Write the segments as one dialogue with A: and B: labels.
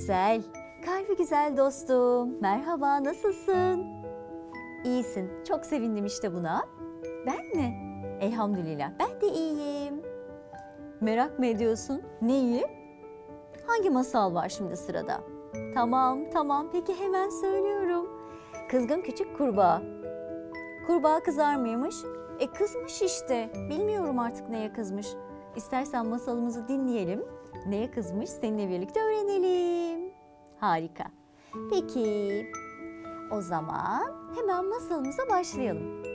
A: güzel, kalbi güzel dostum. Merhaba, nasılsın? İyisin, çok sevindim işte buna. Ben mi? Elhamdülillah, ben de iyiyim. Merak mı ediyorsun? Neyi? Hangi masal var şimdi sırada? Tamam, peki hemen söylüyorum. Kızgın küçük kurbağa. Kurbağa kızar mıymış? Kızmış işte. Bilmiyorum artık neye kızmış. İstersen masalımızı dinleyelim. Neye kızmış seninle birlikte öğrenelim. Harika. Peki, o zaman hemen masalımıza başlayalım.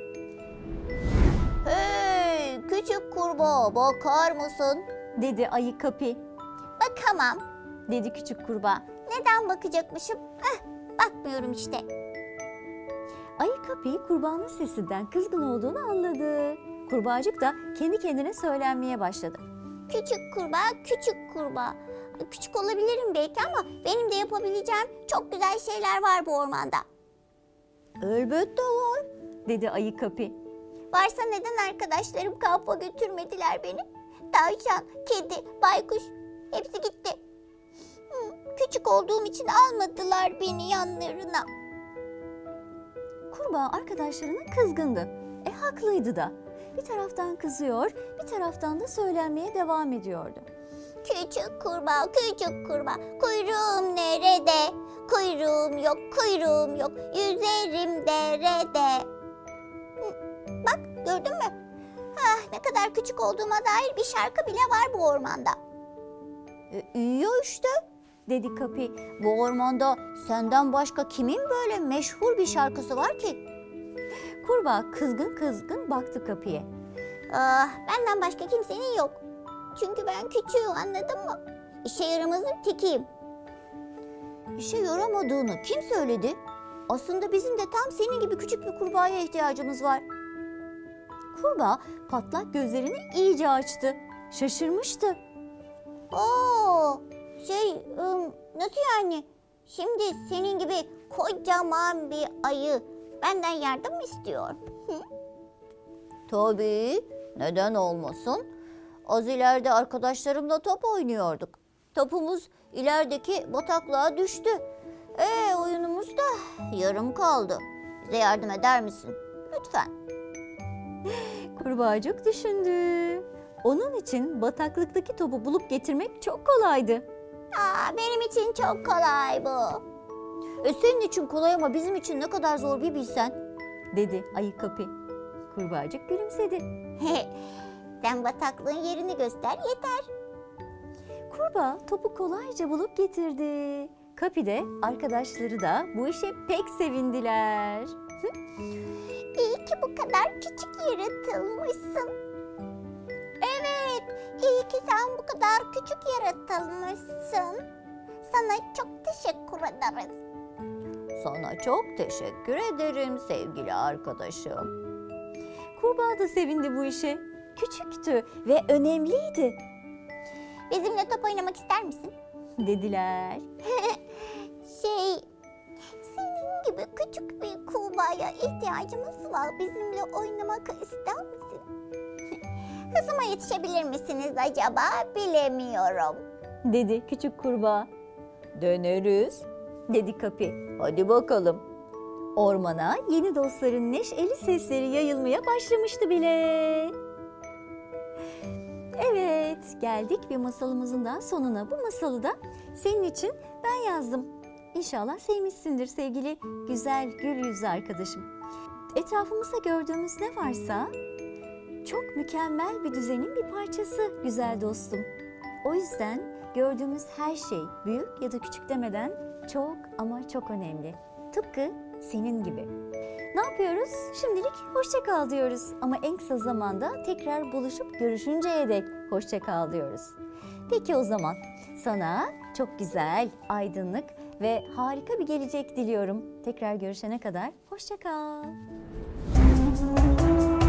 B: Hey küçük kurbağa, bakar mısın?
A: Dedi ayı Kapi.
B: Bakamam.
A: Dedi küçük kurbağa.
B: Neden bakacakmışım? Bakmıyorum işte.
A: Ayı Kapi kurbağanın sesinden kızgın olduğunu anladı. Kurbağacık da kendi kendine söylenmeye başladı.
B: Küçük kurbağa, küçük kurbağa. Küçük olabilirim belki ama benim de yapabileceğim çok güzel şeyler var bu ormanda.
A: Elbette var, dedi ayı Kapi.
B: Varsa neden arkadaşlarım kampa götürmediler beni? Tavşan, kedi, baykuş hepsi gitti. Küçük olduğum için almadılar beni yanlarına.
A: Kurbağa arkadaşlarına kızgındı. Haklıydı da. Bir taraftan kızıyor, bir taraftan da söylenmeye devam ediyordu.
B: Küçük kurbağa, küçük kurbağa, kuyruğum nerede? Kuyruğum yok, kuyruğum yok, yüzerim derede. Bak gördün mü? Ne kadar küçük olduğuma dair bir şarkı bile var bu ormanda.
A: İyi ya işte, dedi Kapi.
B: Bu ormanda senden başka kimin böyle meşhur bir şarkısı var ki?
A: Kurbağa kızgın baktı Kapi'ye.
B: Benden başka kimsenin yok. Çünkü ben küçüğüm, anladın mı? İşe yaramazın tekiyim.
A: İşe yaramadığını kim söyledi? Aslında bizim de tam senin gibi küçük bir kurbağaya ihtiyacımız var. Kurbağa patlak gözlerini iyice açtı. Şaşırmıştı.
B: Nasıl yani? Şimdi senin gibi kocaman bir ayı benden yardım mı istiyor?
A: Tabii, neden olmasın? Az ileride arkadaşlarımla top oynuyorduk. Topumuz ilerideki bataklığa düştü. Oyunumuz da yarım kaldı.
B: Bize yardım eder misin? Lütfen.
A: Kurbağacık düşündü. Onun için bataklıktaki topu bulup getirmek çok kolaydı.
B: Benim için çok kolay bu.
A: Senin için kolay ama bizim için ne kadar zor bir bilsen, dedi ayı Kapi. Kurbağacık gülümsedi.
B: Sen bataklığın yerini göster yeter.
A: Kurbağa topu kolayca bulup getirdi. Kapi de arkadaşları da bu işe pek sevindiler.
B: İyi ki bu kadar küçük yaratılmışsın. Evet, iyi ki sen bu kadar küçük yaratılmışsın. Sana çok teşekkür ederiz.
A: Sana çok teşekkür ederim sevgili arkadaşım. Kurbağa da sevindi bu işe. Küçüktü ve önemliydi,
B: Bizimle top oynamak ister misin?
A: dediler.
B: Senin gibi küçük bir kurbağaya ihtiyacımız var. Bizimle oynamak ister misin? Hızıma yetişebilir misiniz acaba? Bilemiyorum.
A: Dedi küçük kurbağa. Deneriz, dedi Kapi. Hadi bakalım. Ormana yeni dostların neşeli sesleri yayılmaya başlamıştı bile. Evet, geldik bir masalımızın daha sonuna. Bu masalı da senin için ben yazdım. İnşallah sevmişsindir sevgili güzel gül yüzlü arkadaşım. Etrafımızda gördüğümüz ne varsa çok mükemmel bir düzenin bir parçası güzel dostum. O yüzden gördüğümüz her şey büyük ya da küçük demeden çok ama çok önemli. Tıpkı senin gibi. Ne yapıyoruz? Şimdilik hoşça kal diyoruz. Ama en kısa zamanda tekrar buluşup görüşünceye dek hoşça kal diyoruz. Peki o zaman sana çok güzel, aydınlık ve harika bir gelecek diliyorum. Tekrar görüşene kadar hoşça kal.